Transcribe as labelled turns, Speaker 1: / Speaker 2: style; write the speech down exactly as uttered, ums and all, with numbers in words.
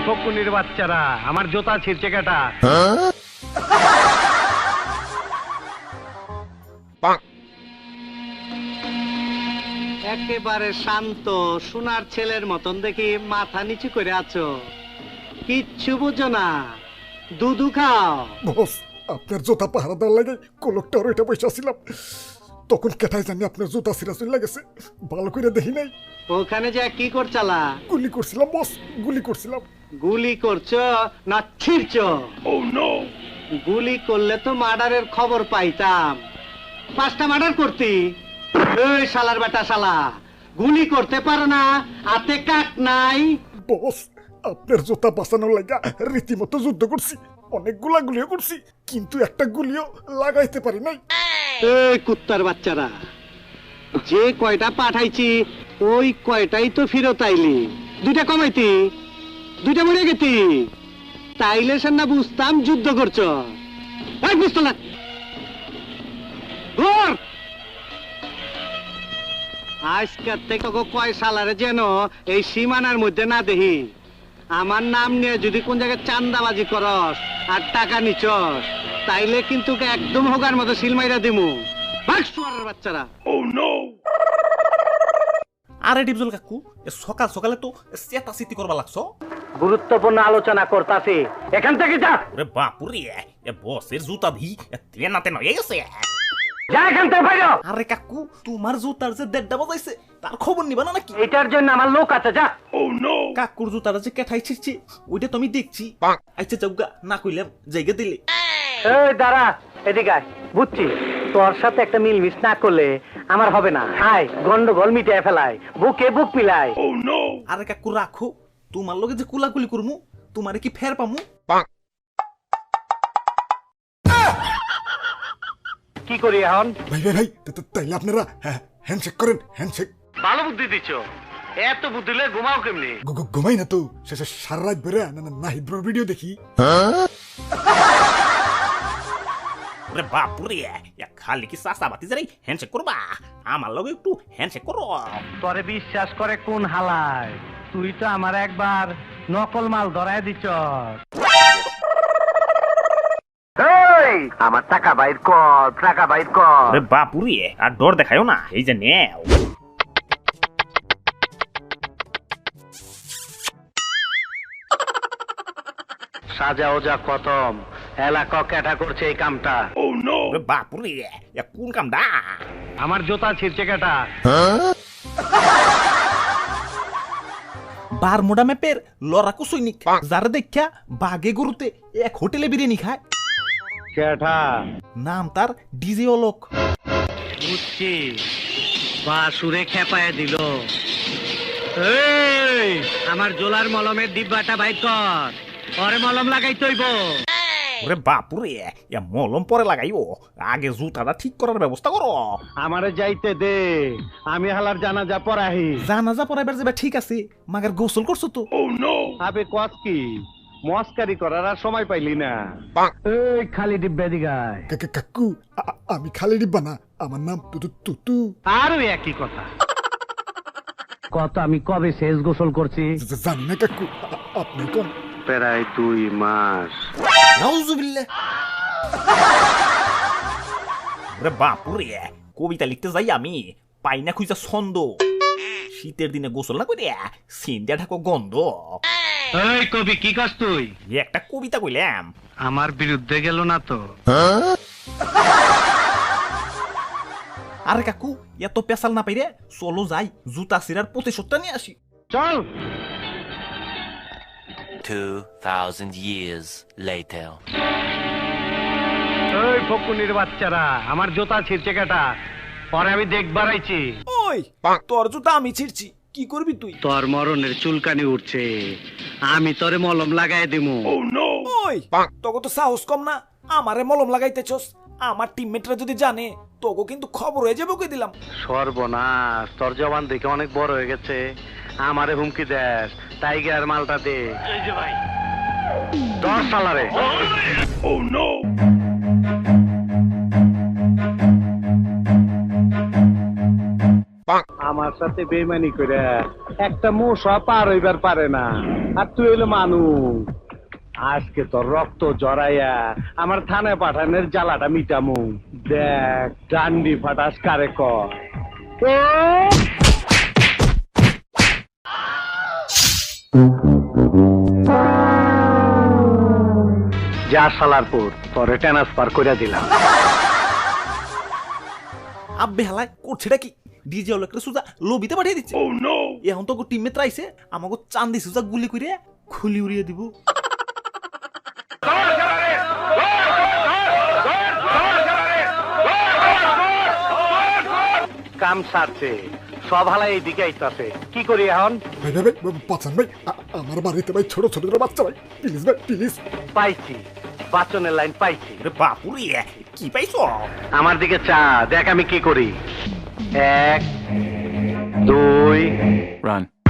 Speaker 1: ফকুনির বাচ্চারা, আমার জুতা ছিঁড়ছে কেটা? একেবারে শান্ত সোনার ছেলের মতন দেখি মাথা নিচু করে আছো, কিচ্ছু বুঝো না, দুধু খাও।
Speaker 2: বস, আপনার জুতা পাহারা দেওয়ার লাগে কলকটার ওইটা বসে ছিলাম, তখন কেটাই জানি আপনার জুতা ছিঁড়া চলে গেছে, ভালো করে দেখি নাই।
Speaker 1: ওখানে যে কি করছালা?
Speaker 2: গুলি করছিলাম বস, গুলি করছিলাম।
Speaker 1: গুলি করছো না ছিঁড়ছো? গুলি করলে তো মার্ডারের খবর পাইতাম, পাঁচটা মার্ডার করতি। এই শালার বেটা শালা, গুলি করতে পারো না, হাতে কাক নাই।
Speaker 2: বস, আপনার জুতা বাঁচানোর লাগা রীতিমতো যুদ্ধ করছি, অনেকগুলা গুলিও করছি, কিন্তু একটা গুলিও লাগাইতে পারি নাই।
Speaker 1: এই কুত্তার বাচ্চারা, যে কয়টা পাঠাইছি ওই কয়টাই তো ফেরত আইলি, দুইটা কমাইতি, দুইটা মরে গেতি, তাইলে সে না বুঝতাম যুদ্ধ করছো। এই বুঝতো না ঘর আজকের থেকে কয় সালারে যেন এই সীমানার মধ্যে না দেখি। আমার নাম নিয়ে যদি কোন জায়গায় চান্দাবাজি করস আর টাকা নিচস, তাইলে কিন্তু একদম হোগার মতো সিলমাইরা দিমু। ভাগ শুয়ারের বাচ্চারা।
Speaker 3: আরে ডিপজল কাকু, সকাল সকালে তো চেতা চিতি করবা লাগছো।
Speaker 1: গুরুত্বপূর্ণ আলোচনা করতাছি, এখান থেকে যা।
Speaker 3: ওরে বাপুরে, এ বসের জুতা ভি তেনা তেনা এই গেছে।
Speaker 1: যা এখান থেকে বাইরে।
Speaker 3: আরে কাকু, তোমার জুতার যে দেড়টা বাজাইছে তার খবর নিবা না নাকি?
Speaker 1: এটার জন্য আমার লোক আছে, যা।
Speaker 3: কাকুর জুতার যে কেঠাই ছিড়ছি ওইটা তুমি দেখছি। আচ্ছা যাওগা, না কইলাম জায়গা দিলে।
Speaker 1: এই দাঁড়া, এদিকে আয়। বুঝছি তোর সাথে একটা মিলমিশ না করলে আমার হবে না। আয়, গন্ডগোল মিটিয়ে ফেলায়, বুকে বুক মিলায়।
Speaker 3: আরে কাকু রাখো, তোমার লগে যে কুলাকুলি করমু তোমারে কি ফের পামু?
Speaker 1: কি করি এখন?
Speaker 2: ভাই ভাই ভাই, তাইলে আপনারা হ্যান্ডশেক করেন, হ্যান্ডশেক।
Speaker 1: ভালো বুদ্ধি দিচ্ছ, এত বুদ্ধি লয়ে ঘুমাও কেমনি?
Speaker 2: ঘুমাই না তো, শেষে সারা রাত বেড়ে নাহিদ ব্রোর ভিডিও দেখি।
Speaker 3: ওরে বাপুরে, খালি কি চাষা বাতি যাই হ্যান্ডশেক করবা? আমার লগে একটু হ্যান্ডশেক করো।
Speaker 1: তোরে বিশ্বাস করে কোন হালায়? তুই তো আমার একবার নকল মাল ধরায় দিচ্ছ। আমার টাকা বাইর কর, টাকা বাইর কর।
Speaker 3: ওরে বাপুরে, আর ডর দেখায়ও না, এই যে নেও।
Speaker 1: সাজা ওজা খতম, এলাকা ক্যাটা করছে এই কামটা।
Speaker 3: ওরে বাপুরে, কোন কামটা?
Speaker 1: আমার জুতা ছিঁড়ছে কেটা?
Speaker 3: বারমুডা ম্যাপের লড়াকু সৈনিক, যারা দেখা বাগে গরুতে এক হোটেলে বিরিয়ানি খায়।
Speaker 1: কেটা?
Speaker 3: নাম তার ডিজে অলোক।
Speaker 1: বুঝছি, বা সুরে খেপায় দিল। এই, আমার জোলার মলমের ডিব্বাটা বাইর কর, পরে মলম লাগাই তৈব।
Speaker 3: ওরে বাপুরে, মলম পরে লাগাইও, আগে জুতাটা ঠিক করার ব্যবস্থা করো।
Speaker 1: আমারে যাইতে দে, আমি হালার জানাজা পড়াহি।
Speaker 3: জানাজা পড়াইবার যাবে ঠিক আছে, মাগার গোসল করছো তো?
Speaker 1: আবে কস কি, মস্কারি করার আর সময় পাইলি না। এই খালি ডিব্বা দিগায়।
Speaker 2: কাকু, আমি খালি ডিব্বা না, আমার নাম তুতু তুতু।
Speaker 1: আরো একই কথা। কত আমি কবে শেষ গোসল করছি
Speaker 2: জানি না কাকু, আপনি কোন?
Speaker 1: প্রায় দুই মাস।
Speaker 3: নাউজুবিল্লাহ। ওরে বাপুরে, কবিতা লিখতে যাই আমি পাই না খুঁজা ছন্দ। শীতের দিনে গোসল না করে সিন্দিয়া ঢাকো গন্ধ।
Speaker 1: এই কবি, কি কাজ তুই?
Speaker 3: একটা কবিতা কইলাম।
Speaker 1: আমার বিরুদ্ধে গেল না তো?
Speaker 3: আরে কাকু, এত পেশাল না পাইরে চলো যাই, জুতা সিরার প্রতিশোধটা নিয়ে আসি।
Speaker 1: চল।
Speaker 4: Two thousand years later.
Speaker 1: এই ফকুনির বাচ্চারা, আমার জুতা ছিঁড়ছে কেটা? পরে আমি দেখবার আইছি।
Speaker 3: ওই তোর জুতা আমি ছিড়ছি, কি করবি তুই?
Speaker 1: তোর মরণের চুলকানি উঠছে, আমি তোরে মলম লাগাই দিমু।
Speaker 3: ওই তোকে তো সাহস কম না, আমারে মলম লাগাইতেছস। আমার টিমমেটরা যদি জানে তোকে কিন্তু খবর হয়ে যাবে, কই দিলাম।
Speaker 1: সর্বনাশ, তোর জবান দেখে অনেক বড় হয়ে গেছে, আমারে হুমকি দেস। টাইগার মালটা দে। এই যে ভাই, দশ সালারে। ও নো। আমার আমার সাথে বেইমানি করে একটা মশা পার হইবার পারে না, আর তুই হইলো মানুষ। আজকে তোর রক্ত জড়াইয়া আমার থানায় পাঠানোর জ্বালাটা মিটামু। দেখ ডান্ডি ফাটাস কারে কর। ও! যা সালারপুর, তোরে ট্রান্সফার করে দিলাম।
Speaker 3: আব্বে হালায় করছেটা কি? ডিজে হলো একটা সুজা লবিতে পাঠিয়ে দিচ্ছে। এখন তো টিমে ত্রাইছে আমাকে চান্দি সুজা গুলি করে খুলি উড়িয়ে দিব।
Speaker 1: কাম সারছে, সব হালাই এইদিকে আইতাছে, কি করি এখন?
Speaker 2: ভাই ভাই ভাই বাঁচান ভাই, আ- আমার বাড়িতে ভাই ছোট ছোট বাচ্চা ভাই, প্লিজ ভাই প্লিজ।
Speaker 1: পাইছি, বাচনের লাইন পাইছি।
Speaker 3: ওরে বাপুরে কি পাইছ?
Speaker 1: আমার দিকে চা, দেখ আমি কি করি। এক, দুই,
Speaker 4: Run.